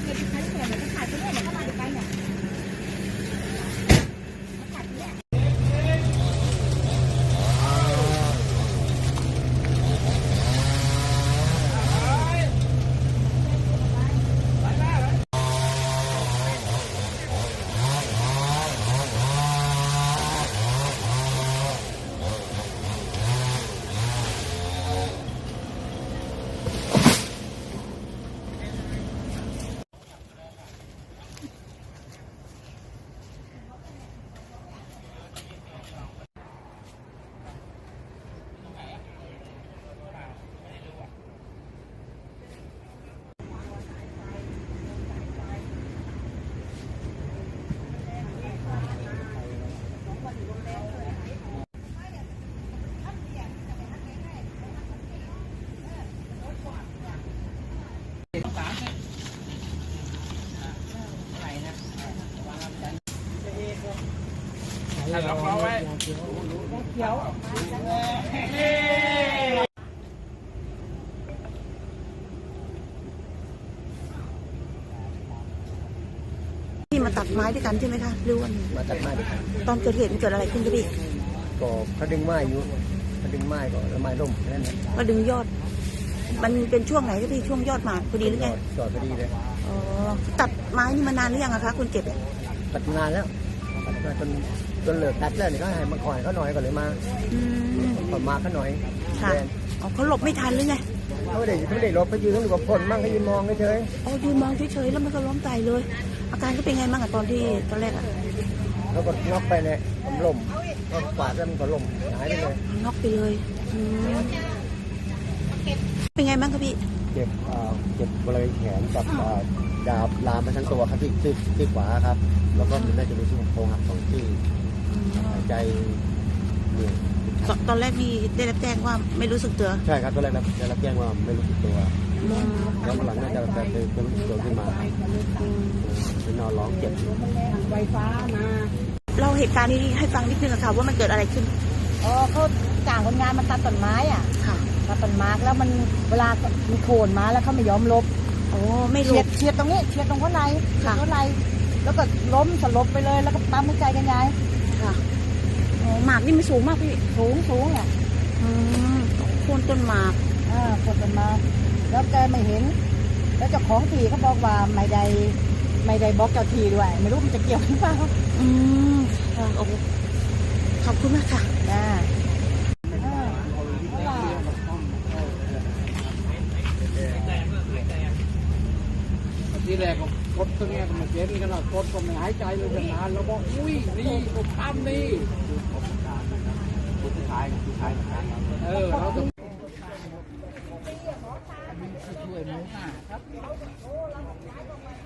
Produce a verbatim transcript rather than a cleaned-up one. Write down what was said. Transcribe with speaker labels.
Speaker 1: ถ้าล็อกล้อไว้เขียว
Speaker 2: ที่มาตัดไม้ด้วยกันใช่ไหมคะหรือว่า
Speaker 3: มาตัดไม้ด้วยกัน
Speaker 2: ตอนเกิดเหตุมันเกิดอะไรขึ้นคะพี่
Speaker 3: ก็เขาดึงไม้อยู่เขาดึงไม้ก่อนแล้วไม้ล่มแค่นั้นแหละ
Speaker 2: มาดึงยอดมันเป็นช่วงไหนคะพี่ช่วงยอดหมากพอดีหรือไง
Speaker 3: ยอดพอดีเลย
Speaker 2: อ๋อตัดไม้นี่มานานหรือยังอะคะคุณเก็บ
Speaker 3: ตัดนานแล้วตัดมาจนจนเหลือตัดแล้วนี่ก็ให้มาก่อนเขาหน่อยก่อนเลยมาพอมาเขาหน่อย
Speaker 2: ค่ะอ๋อเขาหลบไม่ทันหรือไง
Speaker 3: เขาไม่ได้ไม่ได้หลบเขายืนต้องดูกับคนมั่งเขายืนมองเฉย
Speaker 2: อ๋อยืนมองเฉยๆแล้วมันก็ล้มตายเลยอาการเขาเป็นไงบ้างอะตอนที่ตอนแรกอะ
Speaker 3: แล้วก็น็อกไปเนี่ยผมล้มก็ปาดแล้วมันก็ล้มหายไปเลย
Speaker 2: น็อกไปเลยเป็นไงบ้างครับพี่
Speaker 3: เจ็บเจ็บบริเวณแขนกับดาบลามไปทั้งตัวครับที่ที่ที่ขวาครับแล้วก็มันน่าจะมีช่วงโครงหักสองที่หายใจเนี่ย
Speaker 2: ตอนแรกนี่ได้รับแจ้งว่าไม่รู้สึกตัว
Speaker 3: ใช่ครับตอนแรกได้รับแจ้งว่าไม่รู้สึกตัวแล้วหลังน่าจะจะจะรู้สึกตัวขึ้นมาเป็นนอนร้องเจ็บ
Speaker 2: ไฟฟ้ามาเราเหตุการณ์นี้ให้ฟังนิดนึงค่ะว่ามันเกิดอะไรขึ้น
Speaker 4: อ๋อเขาจ้างคนงานมาตัดต้นไม้อ่ะ
Speaker 2: ค่ะ
Speaker 4: ตัดต้นไม้แล้วมันเวลามีโคนมาแล้วเขาไม่ยอมลบ
Speaker 2: โอ้ไม่ลบ
Speaker 4: เฉียดตรงนี้เฉียดตรงข้างในข้างในแล้วก็ล้มสลบไปเลยแล้วก็ปั๊มหัวใจกันยาย
Speaker 2: ค่ะโอ้หมากนี่ไม่สูงมากพี่
Speaker 4: สูงสูงอ่ะ
Speaker 2: อืมโคนต้นหมาก
Speaker 4: อ่าโคนต้นหมากแล้วแกไม่เห็นแล้วเจ้าของที่เขาบอกว่าไม่ได้ไม่ได้บอกเจ้าที่ด้วยไม่รู้มันจะเกี่ยวหรือเปล่า
Speaker 2: อืมค่ะโอ้ขอบคุณมากค่ะ
Speaker 4: จ้า
Speaker 1: ที่แรกก็กดตรงนี้ก็มาเจ็บนี่กันหรอกกดก็ไม่หายใจเลยนานแล้วบอกอุ้ยนี่ผมทำนี่ผู้ชายผู้ชายเออเราต้องช่วยหมูหน้าครับ